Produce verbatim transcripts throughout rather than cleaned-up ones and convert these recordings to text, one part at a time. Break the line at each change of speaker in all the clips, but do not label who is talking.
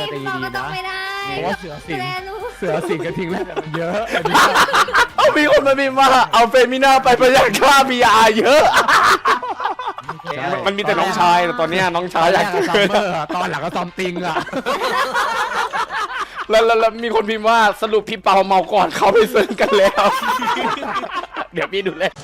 จะตี
เรา
ดี
ก็ต้อ
นะ
งไม่ได้
เพราะว่าเสือสิง
แลรู้
เสือสิงกระทิงแรกมันเยอะอันนี้
เอามีคนมาพิมพ์ว่าเอาเฟมิน่าไปประหยัดค่าบีอาร์เยอะ มันมีแต่น้องชายแต่ตอนเนี้ยน้องชาย
แร
อยาก
กก็ซัมเมอร์ตอนหลังก็ซอมติงอ่ะ
แล้วแล้วแล้วมีคนพิมพ์ว่าสรุปพี่เปาเมาก่อนเขาไปเซิร์ฟกันแล้ว เดี๋ยวพี่ดูเลย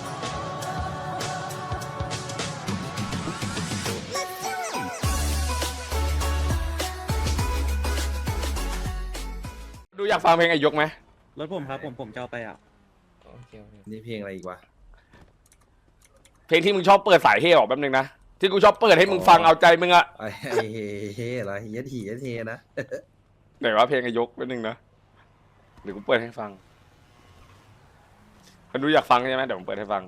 ดูอยากฟังเพลงไอยกไหม
รถผมครับผมผมจะเอาไปอ่ะ
นี่เพลงอะไรอีกวะ
เพลงที่มึงชอบเปิดสายเฮออกแป๊บนึงนะที่กูชอบเปิดให้มึงฟังเอาใจมึงอะ
ไอ้ไอ้เฮ้เฮ้อะไรเย็ดหีเย็ดเฮนะ
ไหนว่าเพลงไอยกแป๊บนึงนะเดี๋ยวกูเปิดให้ฟังคนดูอยากฟังใช่ไหมเดี๋ยวผมเปิดให้ฟัง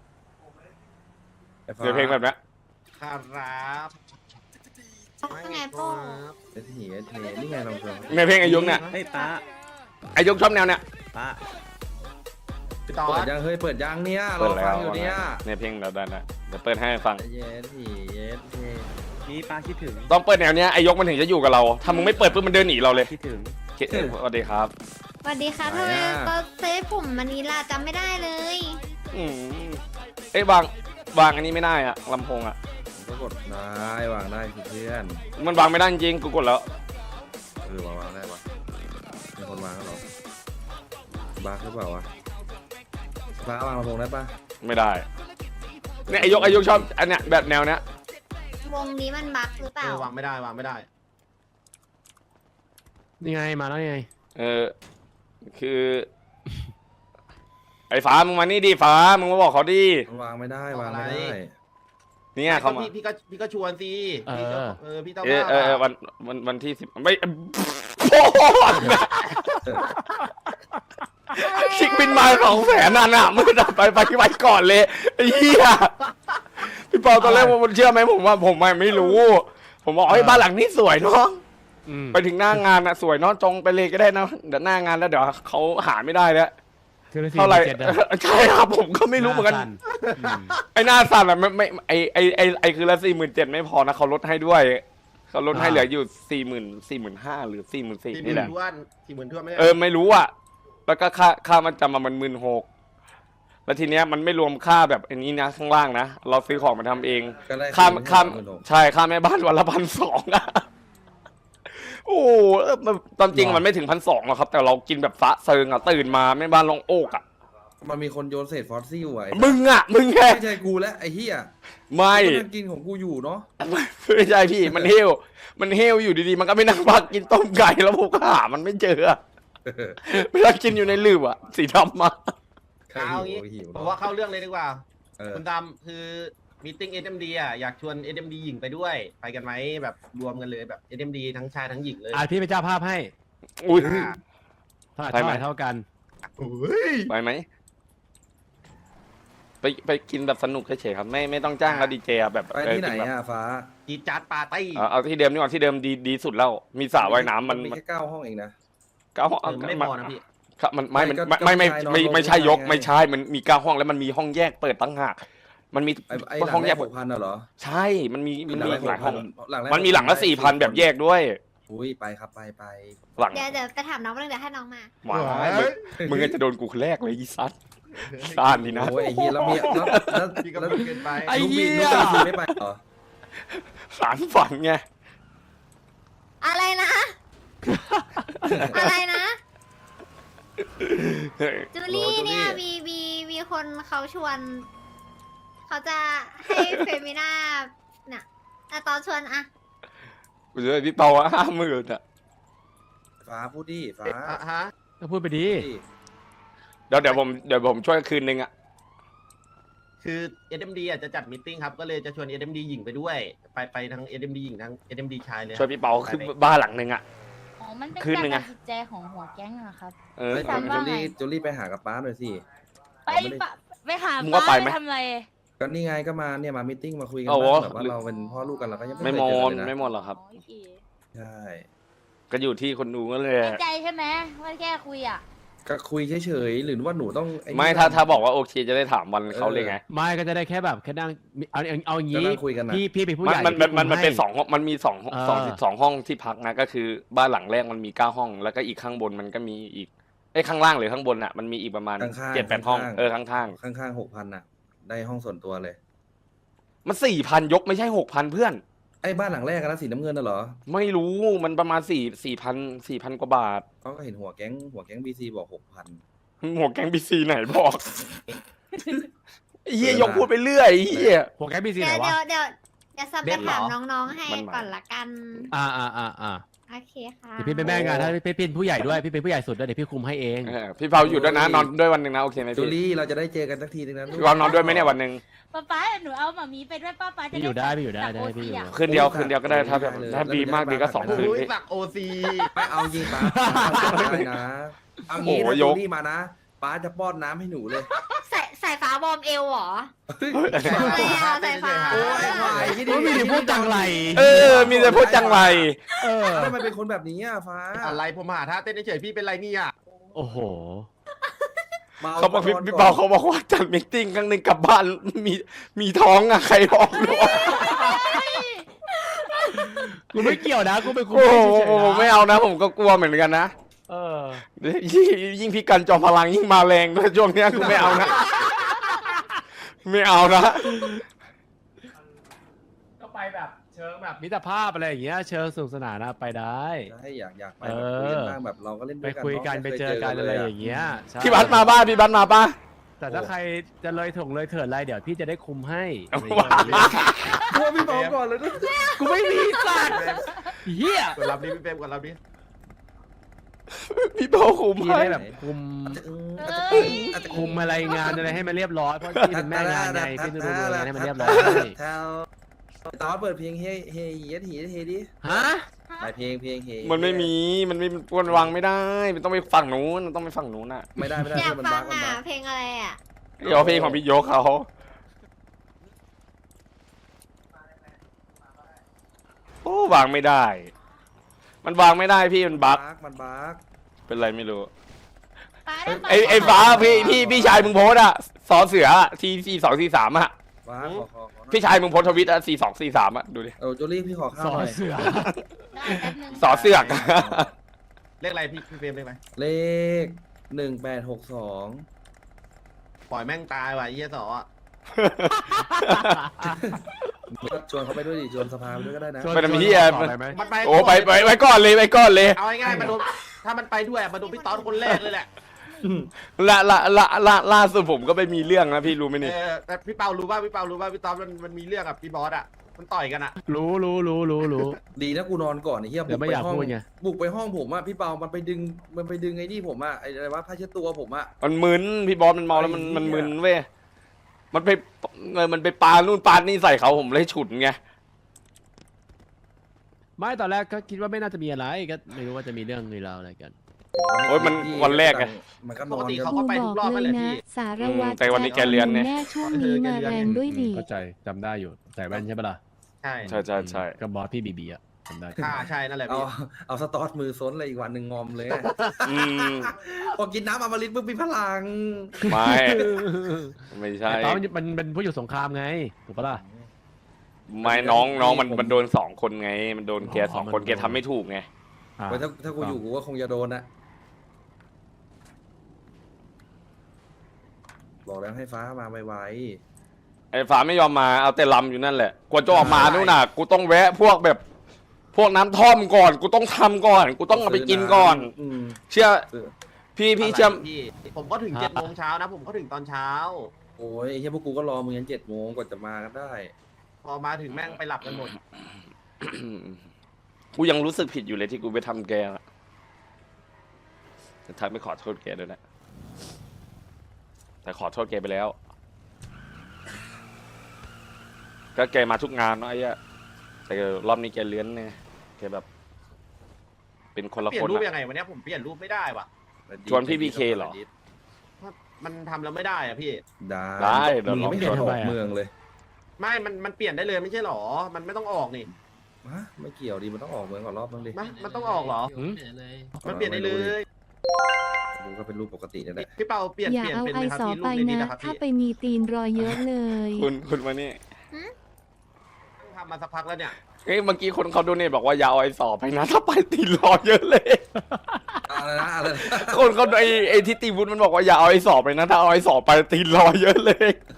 เดี๋ยวเพลงแบบนี้
ครับ
ไงโป้
เย็ดหีเย็ดเฮนี่ไงลองฟัง
ในเพลงไอยกเนี่ย
เฮ้ยป้า
ไอยกชอบแนวเนี่ย
ป้า
พี่ต่อ
เปิดยังเฮ้ยเปิดยังเนี่ยร
เปิ
อ
ดแล้
ฟั
ว
งอยู่เนี่ย
ในเพลงเราได้แล้วเดี๋ยวเปิดให้ฟัง
เย็ดหีเย็ดเฮ
นี่ป้าคิดถึง
ต้องเปิดแนวเนี้ยไอยกมันถึงจะอยู่กับเราถ้ามึงไม่เปิดปุ๊บมันเดินหนีเราเลย
คิดถึง
คิดเออสวัสดีครับ
สวัสดีค่ะทำไมก็เซฟผมมันนี้ล่ะจำไม่ได้เลย
อืมเอ้ยวางวางอันนี้ไม่ได้อะลำโพงอะ
ผมก็กดได้วางได้คือเพื่อน
มันวางไม่ได้จริงๆกูกดแล้ว
เออวางวางได้ปะมีคนวางแล้วเหรอบ้าหรือเปล่าวะบ้าวางลำโพงได้ปะ
ไม่ได้เนี่ยไอยกไอยกชอบอันเนี้ยแบบแนวเนี้ยว
งนี้มันบั๊กหรือเป
เอ
ล่า
อวางไม่ได้วางไม่ได้
นี่ไงมาแล้วไง
เออคือ ไอ้ฟ้ามึงมานี่ดิฟ้ามึงมาบอกเขาดิ
วางไม่ได้วางไม่ได้
เนี่ยเขามา
พี่พี่ก็พี่ก็ชวนสิพี่ก็เออพี่ต้อง
เออ
ว่า
เออเออวันวันวันที่สิบไม่โอ้โหชิคบินมาสองแสนน่ะน่ะมึงดับไปไปไปก่อนเลยไอ้เหี้ยพี่เปาตอนแรกผมเชื่อไหมผมว่าผมไม่รู้ ผมบอกเฮ้ยบ้านหลังนี้สวยเนาะ
อืม
ไปถึงหน้างานอะสวยเนาะจงไปเลยก็ได้นะเดี๋ยวหน้างานแล้วเดี๋ยวเขาหาไม่ได้แล้ว
คือ
เท่าไหร่
เจ็ดนะ
ใช่ครับผมก็ไม่รู้เหมือนกัน
าสั้อืม
ไอ้หน้าสั่นอะไม่ไม่ไอไอไอไอคือละสี่หมื่นเจ็ดไม่พอนะเขาลดให้ด้วยเขาลดให้เหลืออยู่สี่หมื่นสี่หมื่นห้าหรือสี่หมื่นสี่
สี่หมื่
นี่
น
แหละ
ทวนสี่หมื่นทวนไม่ได้
เออไม่รู้อะแล้วก็ค่าค่ามันจำมามันหมื่นหกแล้วทีเนี้ยมันไม่รวมค่าแบบอันนี้นะข้างล่างนะเราซื้อของมาทำเอง
ก็ได้
ค่าค่า
หมื่นหก
ใช่ค่าแม่บ้านวันละพันสองอะโอ้โหเออมันตามจริงมันไม่ถึงพันสองหรอกครับ แต่เรากินแบบฟ้าเซิงอะตื่นมาแม่บ้านลงโอกอะ
มันมีคนโยนเศษฟอสซิลอ่ะไอ้
มึงอะมึงแค่
ไม่ใช่กูและไอ้เหี้ย
ไม่
กูนั่งกินของกูอยู่เนาะ
ไม่ใช่พี่มันเฮลมันเฮลอยู่ดีๆมันก็ไม่นั่งพักกินต้มไก่แล้วผมก็หามันไม่เจออะเวลากินอยู่ในลืบอะสีดำมา
เอางี้
หิว
ผมว่าเข้าเรื่องเลยดีกว่า
เออ
คุณดำคือมีติ้ง เอส เอ็ม ดี อ่ะอยากชวน เอส เอ็ม ดี หญิงไปด้วยไปกันไหมแบบรวมกันเลยแบบ เอส เอ็ม ดี ทั้งชายทั้งหญิงเลย
อ่ะพี่เป็นเจ้าภาพให้
อุ้ย
อ่า
เท่าไหร่
ไปไหม
เท่าไหร่เท่ากัน
โอ้ย
ไปไหมไปไปกินแบบสนุกเฉยๆครับ ไม่ไม่ต้องจ้างแล้วดีเจอะแบบ
ไปที่ไหน
เกิแบบ
อ่ะฟ้า
จีดจัดปาร์ตี้
เอาเอาที่เดิมนี่ก่อนที่เดิมดีดีสุดแล้วมีสระว่ายน้ำมัน
มี
มัน
แค่เก้าห้องเองนะ
เก้าห้อง
เออไม่พอนะพี่
ครับมันไม่มัน
ไม่ก็
ไม่ไม่
ก็
ไม่
ไม่
ไม่
ใช่
ไม่ใช่ยก
ไง
ไม่ใช่มันมีเก้าห้องแล้วมันมีห้องแยกเปิดตั้งหากมันมี
ไอ้ไอ้หลั
ห้อง ง
แร
แย
ก
ก
หกพันน่ะเหรอ
ใช่มันมีมันมี
หลังแรก
หลายห้อง
หลังแรก
มันมีหลังละสี่พันแบบแยกด้วย
อุ้ยไปครับไปไป
หลัง
เดี๋ยวเดี๋ยวไปถามน้องเรื่องเดี๋ยวให้น้องมา
หมามึงมึงก็จะโดนกูคนแรกเลยอีซัดซ่านดีนะ
โอ้ยไอ้เหี้ยแล้วมีแล้วแล้ว
พี่ก็
แล้ว
พูดเกินไป
ไอ้
ลูก
เหี้
บิน
ย
ลูกบินไม่ไปเหรอ
สารฝันไง
อะไรนะ อะไรนะ จูลี่เนี่ยมีมีมีคนเขาชวน เขาจะให้เฟมิน่าเนี่ยแต่ตอนชวนอะ
กูจะให้พี่เปาห้าหมื่นอ่ะ
ฟ้าพูดดิฟ้า
อ่ะฮะ
ก็พูดไปดี
ดิ
เดี๋ยวเดี๋ยวผมเดี๋ยวผมช่วยคืนนึงอ่ะ
คือ เอส เอ็ม ดี อ่ะจะจัดมิทติ้งครับก็เลยจะชวน เอส เอ็ม ดี หญิงไปด้วยไปไปทั้ง เอส เอ็ม ดี หญิงทั้ง เอส เอ็ม ดี ชายเลย
ช่วยพี่เปาขึ้นบ้านหลังนึงอ่ะ
อ๋อ มันเป็น
คืน
การ
หนึ่ง
ตั
อะ
ดสินใจของหัวแก๊งอะครับ
เออ
เฮ้ย
ฝันว่า
จูลี่
ไง
จูลี่ไปหากับป้าหน่อยสิ
ไป
เราไม่ได้
ปะไปหา
มึงว่า
ป้า
ไปไหม
ทำอะไร
ก็นี่ไงก็มาเนี่ยมามิทติ้งมาคุยกัน
โอ้โห
บ้างแบบว่าเราเป็นพ่อลูกกันเราก็ยัง
ไม่
ไม่
หม
เคยเจอ
ด
เลยนะ
ไม่หมดหรอกครับ
อ๋อโอเค
ใช่
ก็อยู่ที่คนดูก็เลย
แน่ใจใช่ไหมว่าแค่คุยอะ
ก็คุยเฉยๆหรือว่าหนูต้องอ้นี่
ไม่ถ้าถ้าบอกว่าโอเคจะได้ถามวันเขาเลยไง
ไม่ก็จะได้แค่แบบแค่นั่งเอาเอาเอาอย่าง
ก็
นี้
นั่งคุยกันนะ
พี่พี่เป็นผู้ใหญ่
มันมันมันมันเป็น
ให้
สองห้องมันมีสองห้อง
เออ
สองสองห้องที่พักนะก็คือบ้านหลังแรกมันมีเก้าห้อง แล้วก็อีกข้างบนมันก็มีอีกไอ้ยข้างล่างหรือข้างบนอ่ะมันมีอีกประมาณ
ข้างๆ
เจ็ดแปดห้อง
ข้างๆ
เออข้าง
ข้างๆหกพันอ่ะ ได้ห้องส่วนตัวเลย
ๆมันสี่พันยกไม่ใช่หกพันเพื่อน
ไอ้บ้านหลังแรกอะนะสีน้ำเงินน่ะเหรอ
ไม่รู้มันประมาณสี่สี่พันสี่พันกว่าบาท
เขาก็เห็นหัวแก๊งหัวแก๊งบีซีบอกหกพัน
หัวแก๊งบีซีไหนบอกไอ้เฮียยกพูดไปเรื่อยไอ้เฮีย
หัวแก๊ปบีซี
เดี๋
ไหน
ยว
วะ
เดี๋ยวเดี๋ยวเดี๋ยวซับ
เบ็
ไป
ดเหรอ
ถามน้องๆให้
มันมา
ก่อนละกัน
อ่าอ่าอ่าอ่า
โอเคค่ะ
เดี๋ยวพี่เป็นแม่งานถ้าพี่เป็นผู้ใหญ่ด้วยพี่เป็นผู้ใหญ่สุดด้วยเดี๋ยวพี่คุมให้เอง
เออพี่เผาอยู่ด้วยนะนอนด้วยวันหนึ่งนะโอเคไหม
จู
พี่
ลี่เราจะได้เจอกันสักทีนึงนะลูก
พี่เผานอนด้วยไหมเนี่ยวันหนึ่ง
ป้าป้าหนูเอาหมามีไปด้วยป้าป้าจะ
พี่อยู่ได้พี่อยู่ได้
จับ
ได้
โอ
พี่
ซี
อยู่
อะ
คืนเดียวคืนเดียวก็ได้ถ้าแบบถ้าดีมากดีก็สองคืน
อุ้ย
พี่
สักโอซี
ไม่เอาจริงป้าเอาเลยนะเอางี้
โอ้
ถ้า
โห
จู
ยก
ลี่มานะป้าจะป้อนน้ำให้หนูเลย
ใส่ใส่ฟ้าวอร์มเอวเหรอ
เฮ้ย
อะไรอ่ะใส่ฟ้า
โอ้ยควายที่
โอ้ยมีแต่พูดจังไร
เออ มีแต่พูดจังไร
เออ
ทำไมเป็นคนแบบนี้อ่ะฟ้า
อะไรผมหาท่าเต้นเฉยๆพี่เป็นไรเนี่ย
โอ้โห
เขาบอกพี่พี่เปาเขาบอกว่าจัดมิทติ้งครั้งหนึ่งกลับบ้านมีมีท้องอะใครบอกด้วย
กูไม่เกี่ยวนะกูเป็นคุม
โอ้โห
ให้เฉยๆนะ
ไม่เอานะ ผมก็กลัวเหมือนกันนะ
เออ
ยิ่งยิ่งพี่กันจอมพลังยิ่งมาแรงด้วยช่วงเนี้ยกูไม่เอานะ ไม่เอานะ
ก็ไปแบบเชิงแบบมิตรภาพอะไรอย่างเงี้ยเชิงสนุกสนานนะไปได้
ใช่อยากอยากไป
เอ
แบบ
อ
คุยกันบ้างแบบเราก็เล่น
ไป
ด้วยกัน
คุยกัน
เาะ
ไป
ม่ค
เจอกัน
ล
อะไร
ย
อย่างเงี้ยใช่
พี่บัสมาบ้านพี่บัสมาป่ะ
แต่ถ้าใครจะเลยถงเลยเถิดอะไรเดี๋ยวพี่จะได้คุมให้
ว้า
กลัวพี่เปาก่อนเลยนะ
กูไม่มีสัตว์เฮีย
กดรับดิพี่เปรมกดรับดิ
พี่เปาคุม
พี่
ให้
ได้แบบคุม
อาจจะ
เอ้ย
อาจจะ
คุมอะไรงานอะไรให้มันเรียบร้อยเพราะพี่เป็นแม่งานไงพี่ต้องดูงานให้มันเรียบร้อย
แถวตอนเปิดเพลงเฮเฮเยดเฮเฮดิ
ฮะ
ไปเพลงเพลงเฮ
มันไม่มีมันไม่มันวางไม่ได้ มันต้องไปฝั่งนู้นมันต้องไปฝั่งนู้นน่ะ
ไม่ได้ไม่ได้
อยาก
มัน
ฟั
บั
ง
กมัน
อ่ะ
บัก
เพลงอะไรอ่ะ
เดี๋ยวเพลงของพี่ยกเขาโอ้วางไม่ได้ มันวางไม่ได้พี่มันบั๊ก
มันบัก
เป็นไรไม่รู้
ป้าด้ป
ไอไอฟ้าพี่พี่พี่ชายมึงโพสอะสอเสือทีสี่สองสี่สามอะ
บักขอขอขอ
พี่ชายมึงโพสทวิตอะสี่สองสี่สามอะดูดิ
เออจูลี่พี่ขอข้า
ส
ว
อ
หน่อย
เสือ
ได้แป๊บนึง
สอเสือก
เลขอะไรพี่พี่เปรมเลขอะไร
เลขหนึ่งแปดหกสอง
ปล่อยแม่งตายว่ะไอ้เหี้ยสออะ
ชวนเขาไปด้วยดิชวนสภาไปด้วยก็ได้นะ
ไปทำเหี้ย
ต่อไปไหม
มันไป
โอ้ไปไปไปก่อนเลยไปก่อนเลย
เอาง่ายๆมาโดนถ้ามันไปด้วยอะมาโดนพี่ต๊อดคนแรกเลยแหละ
ละละละละล่าสุดผมก็ไปมีเรื่องนะพี่รู้ไหมนี่
เออแต่พี่เปารู้ป่ะพี่เปารู้ป่ะพี่ต๊อดมันมันมีเรื่องกับพี่บอสอ่ะมันต่อยกันอ่ะ
รู้รู้รู้รู้รู้
ดีนะกูนอนก่อนไอ้เหี้ย
เดี๋ยวไม่อยาก
ห้อง
พูดไง
บุกไปห้องผมอะพี่เปามันไปดึงมันไปดึงไอ้นี่ผมอะไอ้อะไรวะผ้าเช็ดตัวผมอะ
มันมึนพี่บอสมันเมาแล้วมัน
ไอ้เหี้ย
มันมึนเว้ยมันไปเออมันไปปานู่นปานี่ใส่เขาผมเลยฉุนไง
ไม่ตอนแรกก็คิดว่าไม่น่าจะมีอะไรก็ไม่รู้ว่าจะมีเรื่องมีราวอะไรกัน
โอ้ยมันวันแรกไง
มันก็น
ป
อก น
ติ
กัน
เขาก็ไปทุกรอบนั่นแหละพี่
สารวัตร
แต่วันนี้แกเรียนไง
แน่ช่วงนี้มาแรงด้วยดิ
เข้าใจจำได้อยู่ใส่แว่นใช่ปะล่ะ
ใช่
ใช่ใช่ใช่
ก็บอสพี่บีบีอะจำได้
อ่าใช่นั่นแหละ
เอา
พี่
เอาสตอสมือซ้นเลยอีกวันหนึ่งงอมเลย
อืม
พอกินน้ำอมฤตปุ๊บมีพลัง
ไม่ไม่ใช่
แต่ตอนมันมันเป็นผู้อยู่สงครามไงถูกปะล่ะ
ไม่น้องน้องมันมันโดนสองคนไง มันโดนแกสองคนแกทำไม่ถูกไง
อ่ะ
ไว้ถ้าถ้ากูอยู่กูก็คงจะโดนนะบอกแล้วให้ฟ้ามาไว
ไอ้ฟ้าไม่ยอมมาเอาแต่ลำอยู่นั่นแหละกว่าจะออกมานู่นน่ะ กูต้องแวะพวกแบบ พวกน้ำท่อมก่อน กูต้องทำก่อน กู
ๆ
ต้องเอาไปกินก่อน
อืม
เชื่อ
ซื้อ
พี่พี่เชื่อ
อะไรพี่ผมก็ถึงเจ็ดโมงเช้านะ ผมก็ถึงตอนเช้า
โอ้ยไอ้เฮียพวกกูก็รอมึงยันเจ็ดโมงกว่าจะมากันได้
พอมาถึงแม่งไปหลับกันหมด
กูยังรู้สึกผิดอยู่เลยที่กูไปทำแกอะแต่ทักไม่ขอโทษแกด้วยนะ แต่ขอโทษแกไปแล้ว ก็แกมาทุกงานเนาะไอ้เหี้ยแต่รอบนี้แกเลื้อนไงแกแบบ เป็นคนละ
เปลี่ย
คน
นรูป
อะ
ยังไงวันนี้ผมเปลี่ยนรูปไม่ได้ว่ะ
ชวนพี่ บี เค เหรอ
มันทำแล้วไม่ได้อะพี่
ได้
ได้เดี๋ยว
มึง
ลอง
ไม่เห็นออกเมืองเลย
ไม่ มันมันเปลี่ยนได้เลยไม่ใช่หรอ มันไม่ต้องออกนี่
ฮะไม่เกี่ยวดิมันต้องออกเมืองก่อนรอบนึงดิ
มามันต้องออกเหรอ
หืม
มันเปลี่ยนได้เลย
ไรูปก็เป็นรูปปกตินี่แหละ
พี่เปาเปลี่ยน
อย่า
เปลี่ยน
เอา
เป็น
ไอ
ไหมครับ
สอ
พี่รู
ไป
ปในนี้
นะ
นะครับ
ถ้า
พี่
ไปมีตีนรอยเยอะเลย
คุณคุณมานี่
ทำมาสักพักแล้วเนี่ย
เฮ้ยเมื่อกี้คนเขาดูเนี่ยบอกว่าอย่าเอาไอ้สอบไปนะถ้าไปตีรอเยอะเลย
อะไรนะอะไรนะ
คนเขาไอ้ไอ้ที่ตีวุฒิมันบอกว่าอย่าเอาไอ้สอบไปนะถ้าเอาไอ้สอบไปตีรอเยอะเลย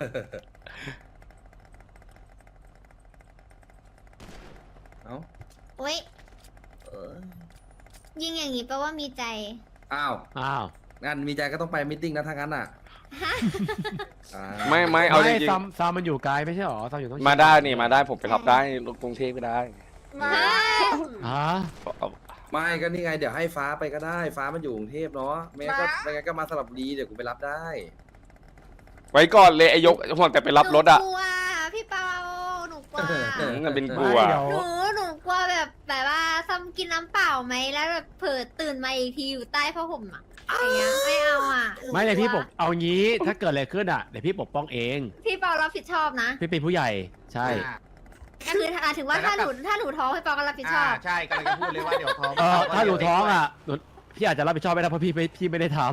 เอ้า
อุ้ย
เออ
ยิงอย่างนี้แปลว่ามีใจ
อ้าว
อ้าว
งานมีใจก็ต้องไปมิทติ้งนะถ้างั้นอ่ะอ่า
ไม่ไม่เอาจ
ไม่
ริง
ซ้ำซ้ำมันอยู่ไกลไม่ใช่หรอซ้ำอยู่ต้อง
ๆมาได้นี่มาได้ผมไปรับได้รถกรุงเทพก็ได้
มา
ฮะ
เอา
ไม่ก็นี่ไงเดี๋ยวให้ฟ้าไปก็ได้ฟ้ามันอยู่กรุงเทพเนาะไม่งั้นก็ไม่งั้นก็มาสลับบุรีเดี๋ยวกูไปรับได้
ไว้ก่อนเลยไอ้ยกห่วงแต่ไปรับรถอ่ะ
หนูกลัวพี่เปาหนูกลัว
นั่นเป็นกลั
ไม่
ว
เดี๋ยว
หนูหนูกลัวแบบแบบว่าซ้ำกินน้ำเปล่าไหมแล้วแบบเผลอตื่นมาอีกทีอยู่ใต้ผ้าห่มอ่ะอย่างเงี้ยไม่เอาอ่ะหนู
ไม่เลยพี่ป
กลั
ก
ว
เอางี้ถ้าเกิดอะไรขึ้นอ่ะเดี๋ยวพี่ปกป้องเอง
พี่เปารับผิดชอบนะ
พี่เป็นผู้ใหญ่ใช่
อ่า
ก็คือถ้าถึงว่า
แต่
ถ้า
ถ้า
หนูถ้าหนูท้องพี่เปาก็รับผิดชอบ
อ่าใช่กำลังจะพูดเลยว่าเดี๋ยวท้อง
เออถ้าหนูท้องอ่ะหนูพี่อาจจะรับผิดชอบไม่ได้เพราะพี่ไม่พี่ไม่ได้ท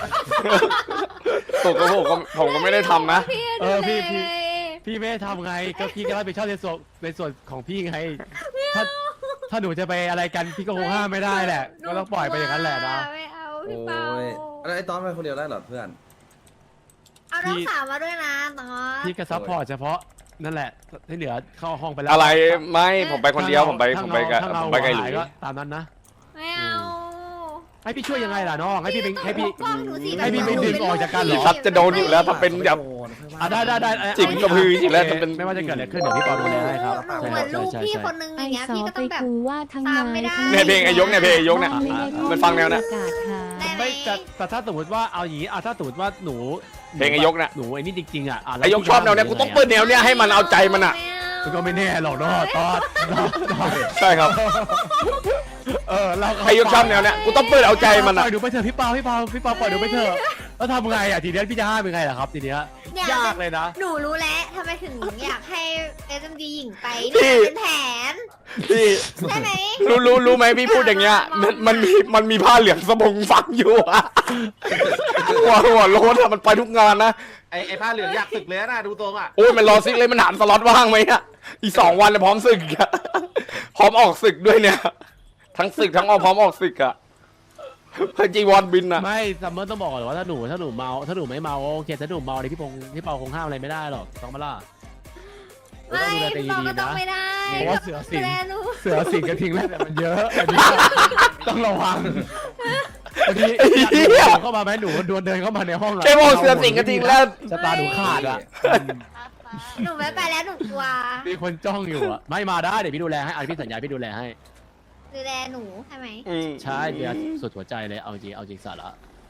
ตกกระผมก็ผมก็ไม่ได้ทำนะ
พี่
เออพี่พี่
ดูแลไง
ำพี่ไม่ได้ทำไงก็พี่ก็รับผิดชอบในส่วนในส่วนของพี่ไงถ้าถ้าหนูจะไปอะไรกันพี่ก็คงห้ามไม่ได้แหละ
หนู
ก็ต้องปล่อยไปอย่างนั้นแหละนะ
ไม่เอา
โอ้
พี่เปาย
แล้วไอ้ตอนไปคนเดียวได้เหรอเพื่อน
เอาน้องสาวมาด้วยนะตอน
พี่ก็ซัพพอร์ตเฉพาะนั่นแหละที่เหลือเข้าห้องไปแล้ว
อะไรไม่ผมไปคนเดียวผมไปผมไปกับ
ถ้า
ผ
เรา
มไปกับห
หา
ลุ
ย
ย
ก็ตามนั้นนะ
ไม่เอา
ให้พี่ช่วยยังไงล่ะน้องให้พี่เป็นให้พี่
ปกป้องหนูสิ
ให้พี่ไปดึงออกจากกันเหร
พี่
อ
ซัดจะโดนอยู่แล้วถ้าเป็นแบบ
อ่ะได้ได้ได้
จิกกระพือจริงแล้วจะเป็น
ไม่ว่าจะเกิดอะไรขึ้นเดี๋ยวพี่ปอดูแลให้ครับ
หนูเหมือนลูกพี่คนนึงอ
ไอย่าง
เงี้ย
สอ
พี่ก็
ไป
ต้องแบบ
กูว่าทั้ง
ตามไม่ได้
เนี่ยเพลงไอ้ยกเนี่ยเพลงไอ้ยกเนี่ย
ไม่ได้
มันฟังแนวนะ
ประกาศหา
ได้ไหม
ไม่แต่แต่ถ้าสมมติว่าเอาอย่างนี้อ่ะถ้าสมมติว่าหนู
เพลงไอ้ยกเนี่ย
หนูไอ้นี่จริงๆอ่ะะแล้ว
ไอ้ยกชอบแนวเนี้ยกูต้องเปิดแนวเนี้ยให้มันเอาใจมันอ่ะ
ไ
มันก็ไม่แน่หรอกเนาะตอนตอนตอน
ใช่ครับ
เออเรา
ไอ้ยกชอบแนวเนี้ยกูต้องเปิดเอาใจมัน
ป
อ่ะ
ล่อยหนูไปเถอะพี่เปาพี่เปาพี่เปาปล่อยหนูไปเถอะแล้วทำไงอ่ะทีเนี้ยพี่จะห้ามยังไงล่ะครับทีเนี้ย
เนี่ย
ยากเลยนะ
หนูรู้แล้วทำไมถึงอยากให้เอสเอ็มดีหญิงไป
พี่
เนี่ยเป็นแผน
พี่
ใช่ไหม
รู้รู้รู้ไหมพี่พูดอย่างเงี้ยมันมันมีมันมีผ้าเหลืองสบงฝังอยู่อะหัวหัวโล้นอะมันไปทุกงานนะ
ไอ้ไอ้ผ้าเหลืองอยากศึกเลยนะดูตรงอ่ะ
โอ้ยมันรอซิกเลยมันหามสล็อตว่างไหมอะอีกสองวันเลยพร้อมศึกอะพร้อมออกศึกด้วยเนี่ย ทั้งศึกทั้งออกพร้อมออกศึกอะพจีวอนบินอะ
ไม่ซัมเมอร์ต้องบอกก่อนว่าถ้าหนูถ้าหนูเมาถ้าหนูไม่เมาโอเคถ้าหนูเมาเนี่ยพี่พงพี่เปาคงห้ามอะไรไม่ได้หรอกต้องมาล่ะ
ไม่
ต้องดูแลตัวเอง
พี่ปอ
ดี
ก็
ๆ
ต้อง
นะ
ไม่ได้
เพราะว่าเสือสิง
ดูแลหนู
เสือสิงกระทิงแรกเนี่ยมันเยอะอันนี้ต้องระวังบางทีเข้ามาไหมหนูดวนเดินเข้ามาในห้องะ
แค่บอกเสือสิงกระทิงแล้ว
สตาร์หนูขาดอ่ะ
ป้าป้า
หนูไม่ไปแล้วหนูกลัว
มีคนจ้องอยู่อ่ะไม่มาได้เดี๋ยวพี่ดูแลให้อันพี่สัญญาพี่ดูแลให้
ดูแลหนูใช่ไหม
อืม
ใช่เดี๋ยวสุดหัวใจเลยเอาจริงเอาจริงสาระ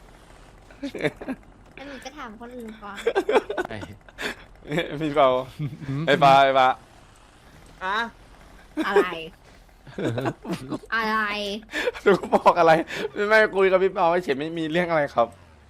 แล้วหนูจะถามคนอื่นก่อน
ไอ้
พี่เปาไอ้ปลาไอ้ปลา
อ่ะ
อะไร อะไร
ดูบอกอะไรไม่ไม่คุยกับพี่เปาไม่เฉยไม่มีเรื่องอะไรครับ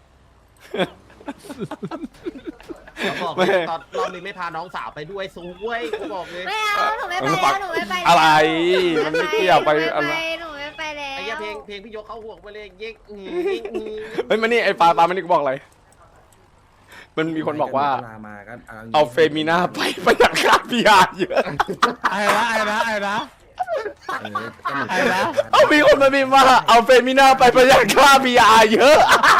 เขาบอกเลยตอนรอบนี้ไม่พาน้องสาวไปด้วยซูเว้ยกูบอกเลย
ไม่เอาหนูไม่ไปแล้วหนูไม่ไปแล้ว
อะไรมันไม่เกี่ยวไป
หนู
อะไร
ไม่ไปหนูไม่ไปแล้ว
ไอ้เหี้ยเพลงเพลงพี่ยกเข้าห่วงไปเลยเย็กอืมเย็กอืม
เฮ้ยมานี่ไอ้ปลาปลามานี่กูบอกอะไร มันมีคนบอกว่า
มาก็
เอาเฟมิน่าไปประหยัดค่าพีอาร์เยอะ
ไอ้นะไอ้นะไอ้นะ ไอ้นะ
เอามีคนมาพิมพ์ว่าเอาเฟมิน่าไปประหยัดค่าพีอาร์เยอะ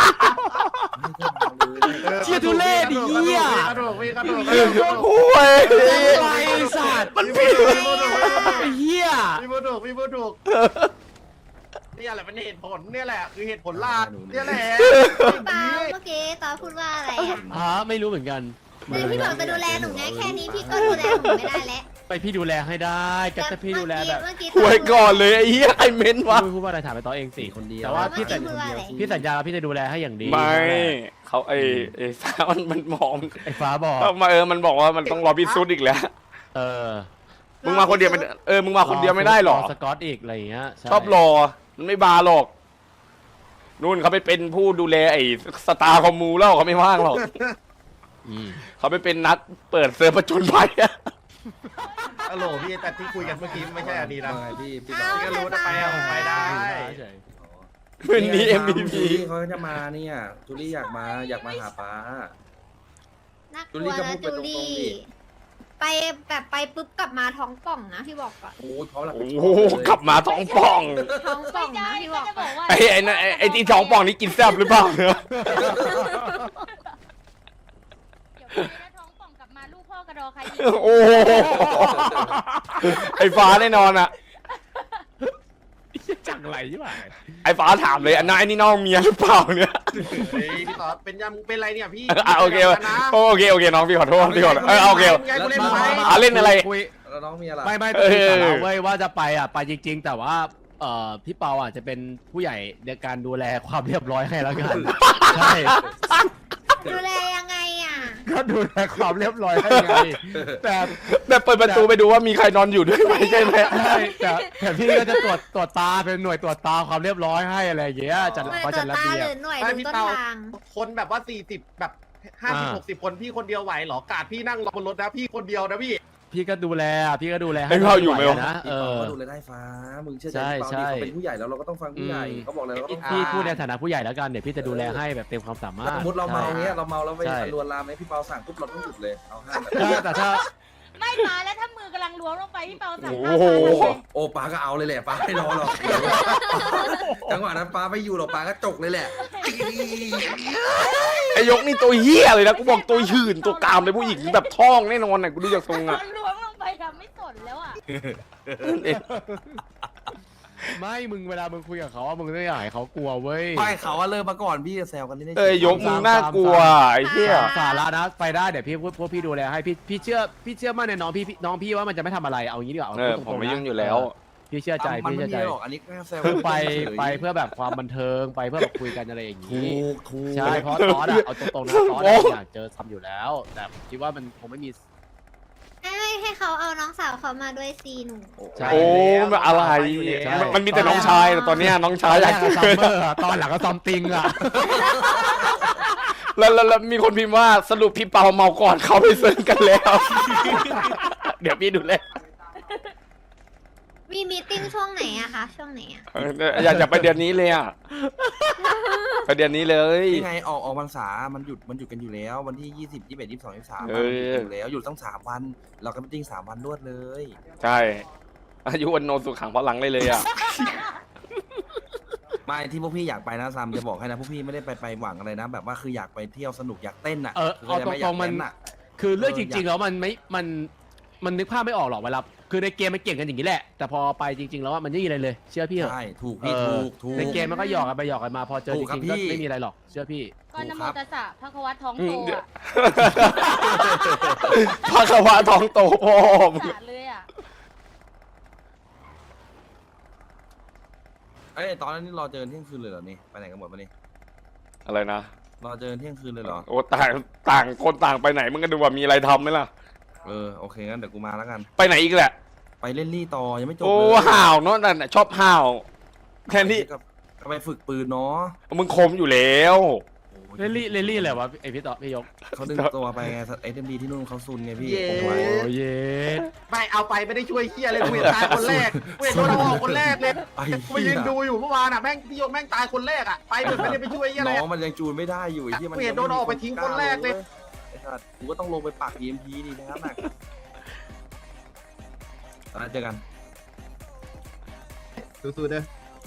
เชี่ยทุเรศดิเหี้ย
กระโดดพี่กระโดด
โอ้ย
ไอ้สัตว์
มันผิด
ไอ้เหี้ย
พี่พูดถูกพี่พูดถูกนี่แหละเป็นเหตุผลเนี่ยแหละคือเหตุผลหลักเนี่ยแหละ
พี่เปาเมื่อกี้ตอนพูดว่าอะไรอ่ะ
ฮะไม่รู้เหมือนกัน
คือพี่บอกจะดูแลหนูไงแค่นี้พี่ก็ดูแลหนูไม่ได้แล้ว
ไปพี่ดูแลให้ได้ก็จะพี่ดูแลแบบ
เมื่อกี้
หวยก่อนเลยไอ้เหี้ยไอ้เม้นวะ
พูดว่าอะไรถามไปต่อเองสิ
คนเดียว
แต่ว่าพี่สัญ
เมื่อกี้พูดว่าอะไร
พี่สัญญาแล้วพี่จะดูแลให้อย่างดี
ไม่เขาไอ้ไอ้สาวมันมันมอง
ไอ้ฟ้าบอก
มาเออมันบอกว่ามันต้องรอพิสูจน์อีกแล้ว
เออ
มึงมาคนเดียวไม่เออมึงมาคนเดียวไม่ได้หรอ
สกอตอีกอะไรอย่างเงี้ยใ
ชอบรอมันไม่บาหรอกนู่นเขาไปเป็นผู้ดูแลไอ้สตาร์คอมมูแล้วเขาไม่ว่างหรอก
อืม
เขาไปเป็นนักเปิดเซิร์ฟประจุนภัยอะ
ฮัลโหลพี่แต่ที่คุยกันเมื่อกี้ไม่ใช่อันนี้นะ
ว่าไงพี่พี่
อ้าว
พี่ก็รู้นะไปอะผมไปได้
เฉย
วันนี้ เอ็ม วี พี
เขาจะมาเนี่ยจูลี่อยากมาอยากมาหาป้า
น่าก
จู
ลั
ลี่
ว
ก็
นะ
พูดไป
จู
ตรงๆ
ลี่
ดิ
ไปแบบไปปุ๊บกลับมาท้องป่องนะพี่บอกก่อน
โอ้ยเพราะเรา
โอ้โหกลับมาท้องป่อง
ท้องป่อง
ไม่ได้
นะพี่บ
ก็
อก
จะ
ก่
บ
อ
อน กว่า
ไอ้ไอ้นั่นไอ้ไอ้ที่ท้องป่องนี่กินแซ่บหรือเปล่าเนี่ย
เดี๋ยวไปแล้วท้องป่องกลับมาลูกพ่อกระดอใครยิง
โอ้โหไอ้ฟ้าแน่นอนอ่ะ
จังไรใช่ไหม
ไอ้ฟ้าถามเลยอันนั้นไอ้นี่น้องเมียหรือเปล่าเนี่ย
เฮ้ยพี่ต่อเป็นยังเป็นไรเนี่ยพี่
อ่ะโอเค
นะ
โอเคโอเคน้องพี่ขอโทษพี่ขอโทษเออโอเค
ไงกูเล่น
มา
ไป
มามา
อ่ะเล่นอะไร
คุย
แล้วน้องมีอะไร
ไม่ไม่
เอ
ไม่
อ
แต่เราเว้ยว่าจะไปอ่ะไปจริง ๆ แต่ว่าเอ่อพี่เปาอ่ะจะเป็นผู้ใหญ่ในการดูแลความเรียบร้อยให้แล้วกันใช่
ดูแลยังไงอ่ะ
ก็ดูแลความเรียบร้อยให้ไงแต่
แบบเปิดประตูไปดูว่ามีใครนอนอยู่ด้วยไหมใช่ไหม
ใช่แต่แต่พี่ก็จะตรวจตรวจตาเป็นหน่วยตรวจตาความเรียบร้อยให้อะไรอย่างเงี้ยจัด
หน่วย
เขา
ตร
จั
ว
ด
จ
ระ
ตา
เบีย
ห
บ
รือหน่วย
ไม่
ดู
พี่
ต้น
เปา
ทาง
คนแบบว่าสี่สิบแบบห้าสิบ
อ่า
หกสิบคนพี่คนเดียวไหวเหรอกาดพี่นั่งรอบนรถนะพี่คนเดียวนะพี่
พี่ก็ดูแลอ่ะพี่ก็ดูแลให้
ไอ้เขาอยู่ไหมวะ
นะเอ
พี่เปา
อ
ก็ดูแลได้ฟ้ามึงเชื่อใจ
ใช่
พี่เปา
ใช่
ดิเขาเป็นผู้ใหญ่แล้วเราก็ต้องฟังผู้ใหญ่
อืม
เขาบอกเลยเราก็ต้อง
พี่พูดในฐานะผู้ใหญ่แล้วกันเดี๋ยวพี่จะดูแลให้แบบเต็มความสามารถ
สมมติเราเมาเงี้ยเราเมาแล้วไป
ใช่
ลวนลามไหมพี่เปาสั่งปุ๊บเราต้องหยุดเลยเอาห้าม
ถ้าแต่ถ้า
ไม่มาแล้วถ้ามือกำลังล้วงลงไปพี่เปาสั่ง
โอ้โห
ห้ามมาเลย
โอ้ป้าก็เอาเลยแหละป้าไม่รอหรอกจังหวะนั้นป้าไม่อยู่หรอกป้าก็จกเลยแหละ
ไอ้ยกนี่ตัวเหี้ยเลยนะกูบอกตัวหื่นตัวกามเลยผู้หญิงแบบท้องแน่นอนน่ะกูดูจากทรงอ่ะ
ล้วงลงไปทำไม่สนแล้วอ่ะ
ไม่มึงเวลามึงคุยกับเขาอะมึงต้องอยากให้เขากลัวเว้ย
ไม่เขาว่าเริ่มมาก่อนพี่จะแซวกันนี่
เอ้ยยกมึงน่ากลัวไอ้เหี้ย
สาระนะไปได้เดี๋ยวพี่พวกพวกพี่ดูแลให้พี่พี่เชื่อพี่เชื่อมั่นในน้องพี่พี่น้องพี่ว่ามันจะไม่ทำอะไรเอางี้ดีกว่าา
เออ
พูด
ผม
ตรงๆ
ไม่
นะ
ยุ่งอยู่แล้ว
พี่เชื่อใจ
มัน
พี่
ไม่
เชื่อ
มี
ใจ
หรอกอันนี้แค่แซว
คือไปไปเพื่อแบบความบันเทิงไปเพื่อแบบคุยกันอะไรอย่าง
ถู
นี้
กถูก
ใช่เพราะตอนอะเอาตรงๆนะตอนอะอยากเจอทำอยู่แล้ว แต่ผมคิดว่ามันคงไม่มี
ให้ให้ให้เขาเอาน้องสาวเขามาด้วยซีหนู
ใช่
โอ้มันอะไร
ใช่
มันมันมีแต่น้องชายแต่ตอนเนี้ยน้องชายอยาก
ตอนแร
เจ
อะซัม
อ
เมอร์อะตอนหลังก็ซอมติงอะ
แล้วแล้วแล้วมีคนพิมพ์ว่าสรุปพี่เปาเมาก่อนเขาไปเซิร์นกันแล้ว เดี๋ยวพี่ดูเลย
มีมีตติ้งช่วงไหนอะคะช่วงไหนอะ
เอออยากจะไปเดือนนี้เลยอ่ะไปเดือนนี้เลย
นี่ไงออกออกพรรษามันหยุดมันหยุดกันอยู่แล้ว วันที่ยี่สิบยี่สิบเอ็ดยี่สิบสองยี่สิบสาม
เอ
มันหยุด
อ
อยู่แล้วหยุดตั้งสามวัน เราก็ไปติ้งสามวันรวดเลย
ใช่อายุวันโนสุขังพลังได้เลยอ่ะ
ไม่ที่พวกพี่อยากไปนะซัมจะบอกให้นะพวกพี่ไม่ได้ไปไปหวังอะไรนะ แบบว่าคืออยากไปเที่ยวสนุกอยากเต้นอ่ะ
เออเอาตรงๆมัน
อยากเต้อะ
คือเรื่อง
เออ
จ
อ
ริ
ยาง ก
ๆแล้วมันไม่มันมันนึกภาพไม่ออกหรอกเวลาคือในเกมมันเก่งกันอย่างนี้แหละ แต่พอไปจริง ๆ แล้วอะมันไม่มีอะไรเลย เชื่อพี่เหรอะ
ใช่ถูก
เอ
พี่
อ
ถูกถูก
ในเกมมันก็หยอกกันไปหยอกกันมาพอเจอ
ถู
จ
กครับ
ริงๆก็
พี่
ไม่มีอะไรหรอกเชื่อพี่
ก็นโมตัสสะพระคะวัตท้องโตอ่ะ
พระควาท้องโตพ่อมึง
สะเลยอ่ะ
เอ้ยตอนนั้นนี่รอเจอเที่ยงคืนเลยเหรอนี่ไปไหนกันหมดมานี่
อะไรนะ
รอเจอเที่ยงคืนเลยเหรอ
โอ้ต่างต่างคนต่างไปไหนมึงก็ดูว่ามีอะไรทำไหมล่ะ
เออโอเคงั้นเดี๋ยวกูมาแล้วกัน
ไปไหนอีกแหละ
ไปเล่นลี่ต่อยังไม่จบ
โอ้
เลย
ห่าวเนาะนั่นน่ะชอบห่าวแค่นี้
ก็ไปฝึกปืนเนาะ
มึงคมอยู่แล้ว
เลลี่เลลี่อะไรวะไอพี่ต่อพี่ยก
เขาดึงตัวไปไงเอ็มดีที่นู่นเขาซุนไงพี่
เย้
ผมไว้
โอ้เย
ไม่เอาไปไม่ได้ช่วยเฮียเลยกูเห็นตายคนแรกกูเห็นโดนเอาออกคนแรกเลย
ไอ้
กูไปยืนดูอยู่เมื่อวานอ่ะแม่งพี่โยกแม่งตายคนแรกอ่ะไปเหมือนไม่ได้ไปช่วยเฮียอะไร
น้อง
อะ
มันยังจูนไม่ได้อยู่ไอ้ที่มัน
กูเห็นโดนออกไปทิ้งคนแรกเลย
ไอ้สัสกูก็ต้องลงไปปัก อี เอ็ม พี ดีนะครับน่ะตอนนั้นเจอกัน
สู้ๆเด้อ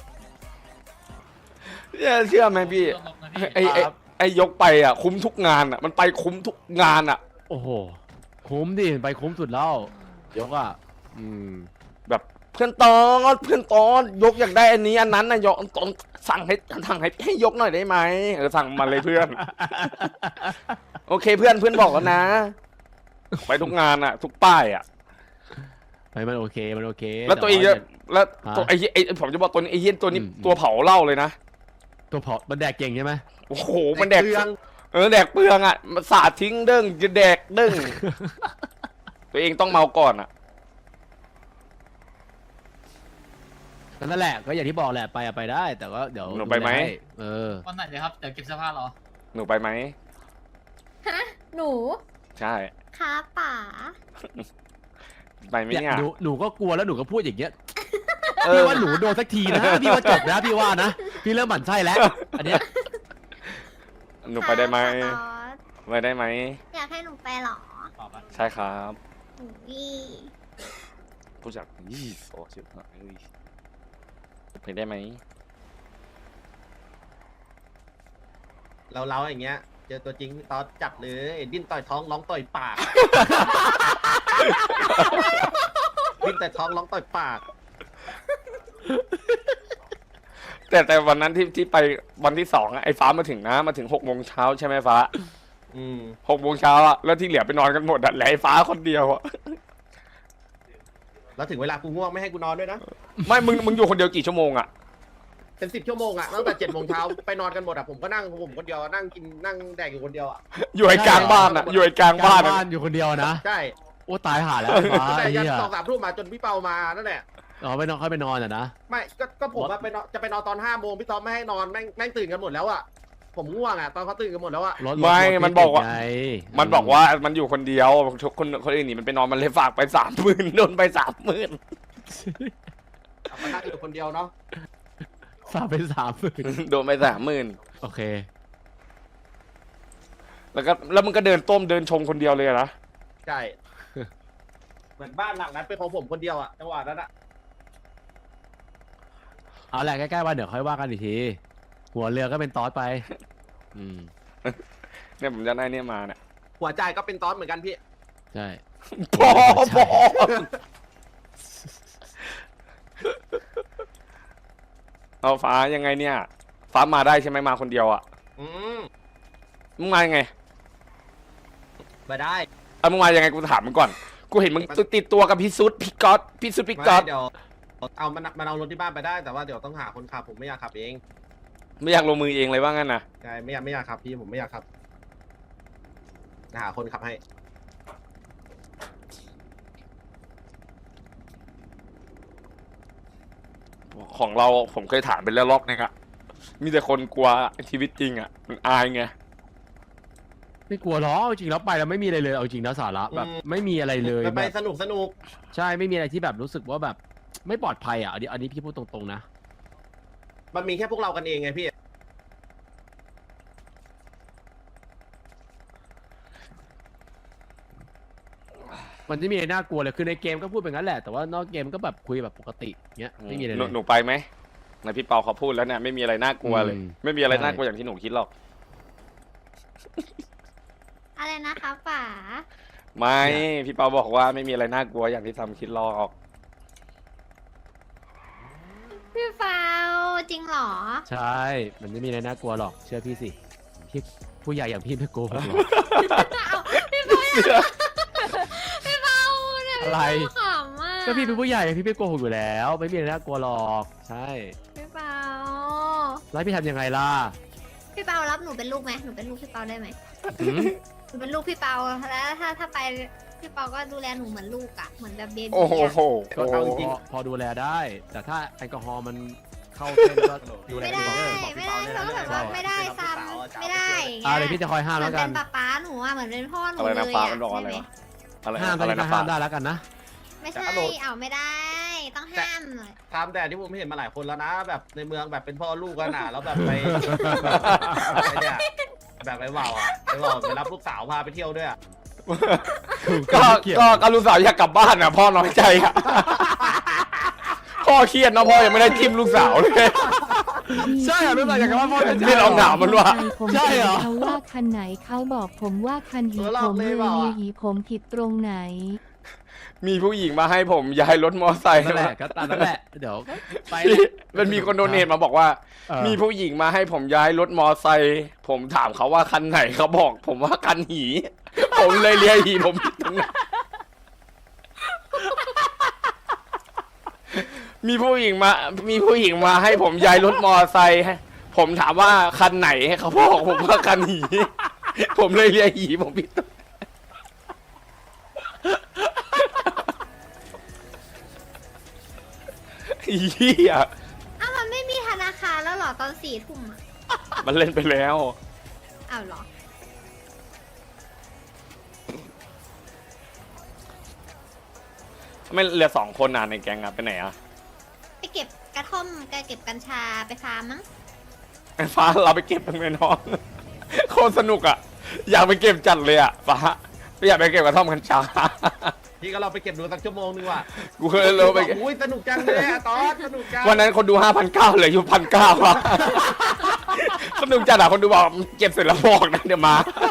เนี่ยเชื่อไหมพี่ไอไอไอยกไปอ่ะ คุ้มทุกงานอ่ะ มันไปคุ้มทุกงานอ่ะ
โอ้โหคุ้มดิไปคุ้มสุดแล้วยกอ่ะอืม
แบบเพื่อนตอนเพื่อนตอนยกอยากได้อันนี้อันนั้นนะยกตอนสั่งให้สั่งให้ให้ยกหน่อยได้ไหมเออสั่งมาเลยเพื่อน โอเคเพื่อนเพื่อนบอกแล้วนะ ไปทุกงานอ่ะ ทุกป้ายอ่ะ
ไปมันโอเคมันโอเค
แล้วตัวเอง
า
จะแล้วตัว
ฮะ
ไอ้เหี้ยไอ้ผมจะบอกตัวนี้ไอ้เหี้ยตัวนี้
อืมอืม
ตัวเผาเหล้าเลยนะ
ตัวเผามันแดกเก่งใช่ไหม
โอ้โหมันแดก
เตือง
เออแดกเปลืองอ่ะมันสาดทิ้งเด้งจะแดกเด้ง ตัวเองต้องเมาก่อนอ่ะ
นั่นแหละก็อย่างที่บอกแหละไปอะไปได้ แต่ว่าเดี๋ยว
หนูไปไหม
ดูแลให้เออ
วันไหนเลยครับ เดี๋ยวเก็บเสื้อผ้ารอ
หนูไปไหม
ฮะหนู
ใช่
ครับป๋า
ไปไหม
เนี่ย
เนี่ย
หนูหนูก็กลัวแล้วหนูก็พูดอย่างเงี้ย
เอ
พี่
อ
ว่าหนูโดนสักทีนะพี่ว่าจบนะพี่ว่านะพี่เริ่มหมั่นไส้แล้ว อันเนี้ย
หนูไปได้ไหม
ค่ะตอส
ไปได้ไหม
อยากให้หนูไปเหรอ
ตอบปะ
ใช่ครับ
อุ้ย
ผู้จัดยี่สิบโอ้ชิบหายไปได้ไหม
เราเราอย่างเงี้ย เจอตัวจริงพี่ตอสจับเลยดิ้นต่อยท้องร้องต่อยปาก ดิ้นต่อยท้องร้องต่อยปาก
แต่แต่วันนั้นที่ที่ไปวันที่สองอะไอ้ฟ้ามาถึงนะมาถึงหกโมงเช้าใช่ไหมฟ้า
อืม
หกโมงเช้าอะแล้วที่เหลือไปนอนกันหมดอะเหลือไอ้ฟ้าคนเดียวอะ
แล้วถึงเวลากูง่วงไม่ให้กูนอนด้วยนะ
ไม่มึงมึงอยู่คนเดียวกี่ชั่วโมงอะ
เป็นสิบชั่วโมงอะตั้งแต่เจ็ดโมงเช้าไปนอนกันหมดอะผมก็นั่งผมคนเดียวนั่งกินนั่งแดกอยู่คนเดียวอะ
อยู่ไอ้กลางบ้านอะอยู่ไอ้กลางบ้าน
กล
อะ
บ้านอยู่คนเดียวนะ
ใช่
โอ้ตายห่าแล้วฟ้า
แต่
ไอ้
ยัน
เหี้ย
สองสามทุ่มมาจนพี่เปามานั่นแหละ
อ๋อไปนอนค่อยไปนอนอ่ะนะ
ไม่ก็ก็ผมอะไปนอนจะไปนอนตอนห้าโมงพี่ตอมไม่ให้นอนแม่งแม่งตื่นกันหมดแล้วอะผมง่วงอะตอนเขาตื่นกันหมดแล้วอะ
รถรถ
ไม่
รถ
มันบอกว่า
ติดไง
มันบอกว่ามันอยู่คนเดียวทุกคนคนอื่นหนีมันไปนอนมันเลยฝากไปสามหมื่นโดนไปสามหมื่น
เอามานั่งอยู่คนเดียวเนาะ
ฝากไปสามหมื่น
โดนไปสามหมื่น
โอเค
แล้วก็แล้วมันก็เดินต้มเดินชมคนเดียวเลยอะนะ
ใช่เหมือนบ้านหลังนั้นเป็นของผมคนเดียวอะจังหวะนั้นอะ
เอาแหละใกล้ๆวันเดี๋ยวค่อยว่ากันอีกที หัวเรือก็เป็นตอสไป อืม
เนี่ยผมจะได้เนี่ยมาเนี่ย
หัวใจก็เป็นตอนเหมือนกันพี่
ใช่
พอพอเอาฟ้ายังไงเนี่ย ฟ้ามาได้ใช่ไหมมาคนเดียวอะ
อืม
มึงมายังไง
มาได้
เอามึงมายังไงกูถามมึงก่อน กูเห็นมึงติดตัวกับพี่ซุดพี่ก๊อตพี่ซุดพี่ก๊อต
ไม่เดี๋ยวเอามันมันเอารถที่บ้านไปได้แต่ว่าเดี๋ยวต้องหาคนขับผมไม่อยากขับเอง
ไม่อยากลงมือเองเลยว่างั้นนะ
ใช่ไม่อยากไม่อยากขับพี่ผมไม่อยากขับหาคนขับให้
ของเราผมเคยถามไปแล้วรอบนึงอะมีแต่คนกลัวชีวิตจริงอะมันอายไง
ไม่กลัวหรอกเอาจริงแล้วไปแล้วไม่มีอะไรเลย เอาจริงนะสาระแบบไม่มีอะไรเลย
ไป
แบ
ไป
บ
สนุกสนุก
ใช่ไม่มีอะไรที่แบบรู้สึกว่าแบบ ไม่ปลอดภัยอ่ะอันนี้อันนี้พี่พูดตรงๆนะ
มันมีแค่พวกเรากันเองไงพี่
มันจะมีอะไรน่ากลัวเลยคือในเกมก็พูดแบบนั้นแหละแต่ว่านอกเกมก็แบบคุยแบบปกติเงี้ยไม่มีอะไร
ห
เล
นู
ย
หนูไปไหมนายพี่เปาเขาพูดแล้วเนี่ยไม่มีอะไรน่ากลัวเลย
อืม
ไม่มีอะไร
ใช่
น่ากลัวอย่างที่หนูคิดหรอก
อะไรนะคะป๋า
ไม่พี่เปาบอกว่าไม่มีอะไรน่ากลัวอย่างที่ทำคิดหรอก
พี่ฟาวจริงเหรอ
ใช่ มันไม่มีอะไรน่ากลัวหรอกเชื่อพี่สิพี่ผู้ใหญ่อย่างพี่ไม่โกหกหรอก
เอาพี่ฟาวอย่าพี่ฟาวเนี่ย
อะไร
พี่ฟาวขำอ่ะ
ก็พี่เป็นผู้ใหญ่พี่ไม่โกหกอยู่แล้ว ไม่มีอะไรน่ากลัวหรอกใช่
พี่ฟาว
แล้วพี่ทำยังไงล่ะ
พี่เปารับหนูเป็นลูกไหมหนูเป็นลูกพี่เปาได้ไหม
หืม
หนูเป็นลูกพี่เปาแล้วถ้าถ้าไปพี่เปาก็ดูแลหนูเหมือนลูกอะเหมือนแบบเบบี้
โอ้โห
อะ
ก็เอาจริงๆพอดูแลได้ แต่ถ้าแอลกอฮอล์มันเข้าเส้นก็ดูแล
ไม่
ดี
ได้
เด้อ
ไม่ได้เขาก็แบบว่าไม่ได้ซ้ำไม่ได้อย่าง
อ่า
เงี้ย
เดี๋ยวพี่จะคอยห้าม
เหมื
แล้
อน
วกั
เป็น นป๊าป๊าหนูอะเหมือนเป็นพ่อหนู
อะไร
เล
นะ
ย
ฟ้า
อะ
มันบอกอะไร
ใช่ไหม
วะอะไร
ห้ามตอน
อะไร
นี้ก็
นะ
ห้า
ฟ้าม
ได้แล้วกันนะ
ไม่ใช่เอาไม่ได้ ต้องห้ามหน่อย
ตามแต่ที่ผมเห็นมาหลายคนแล้วนะ แบบในเมืองแบบเป็นพ่อลูกกันอ่ะแล้วแบบไป ไปเนี่ยแบบไปเว่าอ่ะไปเว่าไปรับลูกสาวพาไปเที่ยวด้วยอ่ะ
ก็ก็ก็ลูกสาวอยากกลับบ้านอ่ะพ่อน้อยใจอ่ะ พ่อเครียดนะพ่อยังไม่ได้จิ้มลูกสาวเลย
ใช่เหรอรู้สึกอย่างกับว่าพ่อจะ
ไม่ลองถามมันว่า
ผม
ใช่เหรอ
เขาว่าคันไหนเขาบอกผมว่าคันหี
เออลอ
ผ
ก
ม
เล
เลย ย
เปล่าอะ
หีผมผิดตรงไหน
มีผู้หญิงมาให้ผมย้ายรถมอไซค์
นั่นแหละก็ตามนั่นแหละเดี๋ยวไป
มันมีคนโดเนทมาบอกว่า
เออ
มีผู้หญิงมาให้ผมย้ายรถมอไซค์ผมถามเขาว่าคันไหนเขาบอก ผมว่าคันหี ผมเลยเรียกหีผมผิดตรงไหนมีผู้หญิงมา มีผู้หญิงมาให้ผมย้ายรถมอไซค์ให้ผมถามว่าคันไหนเขาบอกผมว่าคันหี ผมเลยเรียกหีผมผิดตรงไหนเฮีย
อ้าวมันไม่มีธนาคารแล้วเหรอตอนสี่ทุ่มอะ
มันเล่นไปแล้ว
อ้าวเหรอ
ไม่เหลือสองคนอ่ะในแก๊งอ่ะไปไหนอ่ะ
ไปเก็บกระท่อมไปเก็บกัญชาไปฟาร์มมั้ง
ไอ้ฟ้าเราไปเก็บกันไหมน้อง โคตรสนุกอ่ะ อยากไปเก็บจัดเลยอ่ะฟ้าไม่อยากไปเก็บกระท่อมกัญชา
พี่ก็เราไปเก็บดูสักชั่วโมงนึงว่ะ
กูเคยเลยไปเก็บ
อุ้ยสนุกจังเลยอะตอนสนุกจัง
วันนั้นคนดูห้าพันเก้าเหลืออยู่พันเก้าอ่ะ สนุกจัดอ่ะคนดูบอกเก็บเสร็จแล้วบอกนะเดี๋ยวมา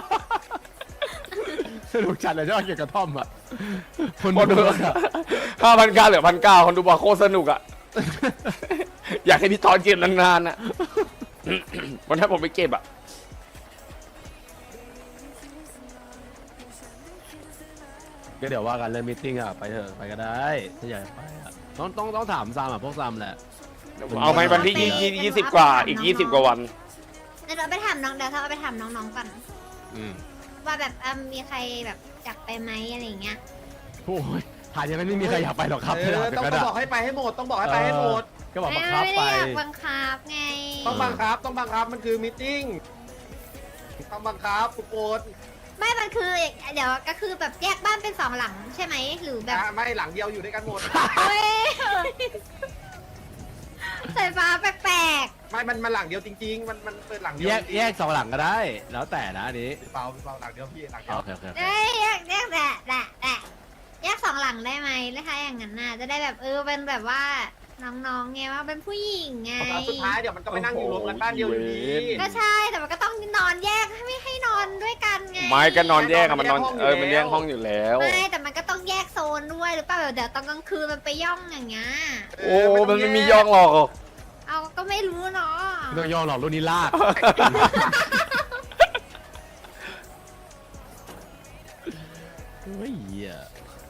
สนุกจัดเลยชอบเกี่ยวกับท่อมอ่ะคน
คนดู
ดูอะ
ห้าพันเก้าเหลือพันเก้าคนดูบอกโคตรสนุกอ่ะ อยากให้พี่ตอนเก็บนานๆอ่ะ วันนั้นผมไปเก็บอ่ะ
ก็เดี๋ยวว่ากันเรื่องมีตติ้งอ่ะไปเถอะไปก็ได้ถ้าอยากไปอ่ะต้องต้องต้องถามซามอ่ะพวกซามแหละ
เอาไหมวันที่ยี่ยี่สิบกว่าอีกยี่สิบกว่าวัน
เดี๋ยวเราไปถามน้องเดี๋ยวเราไปถามน้องๆก่อน
อืม
ว่าแบบเอิ่มมีใครแบบอยากไปไหมอะไรอย่างเงี้ย
โอ้ยผ่านยังไม่มีใครอยากไปหรอกครับ
เออต้องต้องบอกให้ไปให้หมดต้องบอกให้ไปให้หมด
ก็บอก
ไม่
บังคับ
ไม่
ไป
ได้อยากบังคับไง
ต้องบังคับต้องบังคับมันคือมิทติ้งต้องบังคับทุกคน
ไม่มันคือเดี๋ยวก็คือแบบแยกบ้านเป็นสองหลังใช่ไหมหรือแบบ
อ่ะไม่หลังเดียวอยู่ด้วยกันหมด
เฮ้ยสายฟ้าแปลก
ไม่มันมันหลังเดียวจริง ๆ มันมันเป็นหลังเดียว
แยก
จริงๆ
แยกสองหลังก็ได้ แล้วแต่นะอันนี้
เปล่าเปล่าหลังเดียวพี่หลังเดียว
โอเคโอเคโอ
ๆ
เค
เอ้ยแยกแยกแหละแหละแหละแยกสองหลังได้ไหมนะคะอย่างนั้นน่ะจะได้แบบเออเป็นแบบว่าน้องๆไงว่าเป็นผู้หญิงไง
สุดท้ายเดี๋ยวมันก็ไปนั่งอยู่รวมกันบ้านเดียวอยู่ดี
ก็ใช่แต่มันก็ต้องนอนแยกไม่ให้นอนด้วยกันไง
ไม้ก็นอนแยกอะมันนอนเออมันแยกห้องอยู่แล้ว
ไม่แต่มันก็ต้องแยกโซนด้วยหรือเปล่าเดี๋ยวตอนกลางคืนมันไปย่องอย่างเงี้ย
โอ้มันไม่มีย่องหรอก
เอาก็ไม่รู้เนาะ
ไม่ต้องย่อหรอกรุ่นนี้ลากเฮ้ยเหี้ย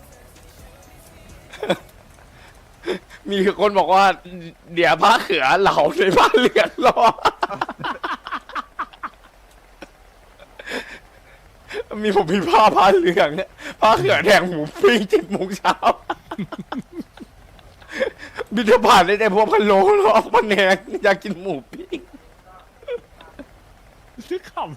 มีคนบอกว่า เดี๋ยวผ้าเขือเหล่าในบ้านเหลืองรอ มีผมมีผ้าผ้าเหลืองเนี่ยผ้าเขือแดงหมูปิ้งเจ็ดโมงเช้า บิดาบาตได้แต่พวกพะโล้หรอกพะแนงอยากกินหมูปิ้ง
ซื้อขำ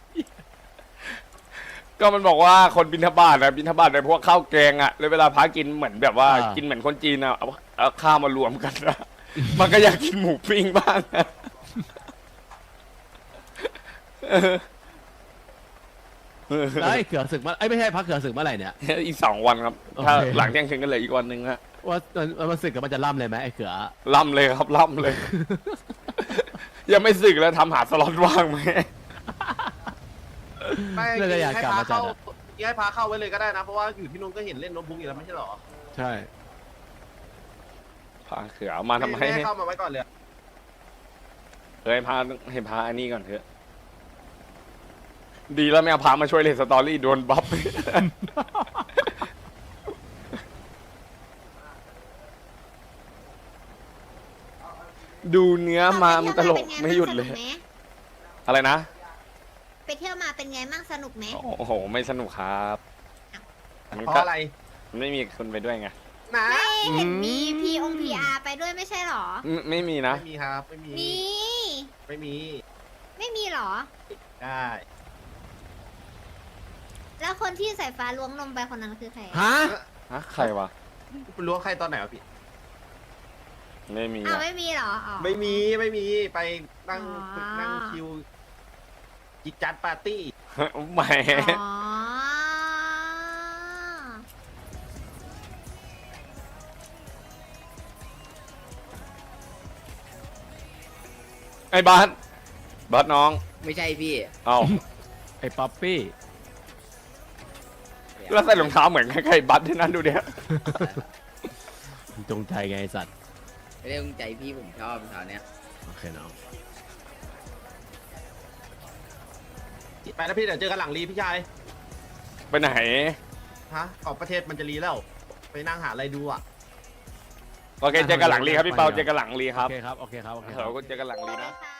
ก็มันบอกว่าคนบิณฑบาตนะบิณฑบาตในพวกข้าวแกงอะแล้วเวลาพระกินเหมือนแบบว่ากินเหมือนคนจีนอะเอาเอาข้าวมารวมกันนะ มันก็อยากกินหมูปิ้งบ้างนะเออเออ
แล้วไอ้เขือศึกมาไอ้ยไม่ใช่พักเขือศึกเมื่อไหร่เนี่ย
อีกสองวันครับ ถ้า
โอเค
หลังเที่ยงคืนก็เหลืออีกวันหนึ่งฮะ
ว่ามันมันศึกกับมันจะล่ำเลยไหมไอ้เขือ
ล่ำเลยครับล่ำเลย ยังไม่สึกแล้วทำหาสล็อตว่างไหม
ไม่
น่าจะอยาก
ให้
กลับ
พา
มาจัด
เข้า
อะ
ให้พาเข้าไว้เลยก็ได้นะ เพราะว่าอยู่ที่นู้นก็เห็นเล่นโน้ตบุ๊กอยู่แล้วไม่ใช่หรอ
ใช่
พาเขือเอามาทำไม
ให้เข้ามาไว้ก่อนเลย
เฮ้ยพาให้พาอันนี้ก่อนเถอะ ดีแล้วไม่เอาพามาช่วยเล่นสตอรี่โดนบัฟ ดูเนื้อมามันตลกไม่หยุดเลย
สนุกไหม
อะไรนะ
ไปเที่ยวมาเป็นไงบ้างสนุกไหม
โอ้โห ไม่สนุกครับมัน
เพราะ
ก็
อะไร
ไม่มีคนไปด้วยไง
นะ
ไม่เห็นมีพีองพีอาร์ไปด้วยไม่ใช่หรอ
ไม่ไม่มีนะ
ไม่มีครับ ไม่มี
มี
ไม่มี
ไม่มีหรอ
ได้
แล้วคนที่สายฟ้าล้วงนมไปคนนั้นคือใคร
ฮะ
ฮะ ใครวะ
ล้วงใครตอนไหนวะพี่
ไม่มี
อ้าว
อะ
ไม่มีหรออ๋อ
ไม่มี ไม่มี ไปนั่ง
อ๋อ
ฝึกนั่งคิวจิตจัดปาร์ตี้
แหม
อ๋อ
ไอ้บาสบาสน้อง
ไม่ใช่พี่
เอ้า
ไอ้ป๊อปปี้
แล้วใส่รองเท้าเหมือนใครๆบัสที่นั่นดูเดี๋ยว
จงใจไงไอ้สัตว์
ไม่ได้ตั้งใจพี่ผมชอบตอนเนี้ย
โอเคน้อง
ไปแล้วพี่เดี๋ยวเจอกันหลังรีพี่ชาย
ไปไหน
ฮะ ออกประเทศมันจะรีแล้ว ไปนั่งหาอะไรดูอ่ะ
โอเค เจอกันหลังรีครับพี่เปา เจอกันหลังรีค
โอ
รับ
เคครับโอเคครับโอเคค
เรา
รับ
ก็เจอกันหลังรีนะ
ค่ะ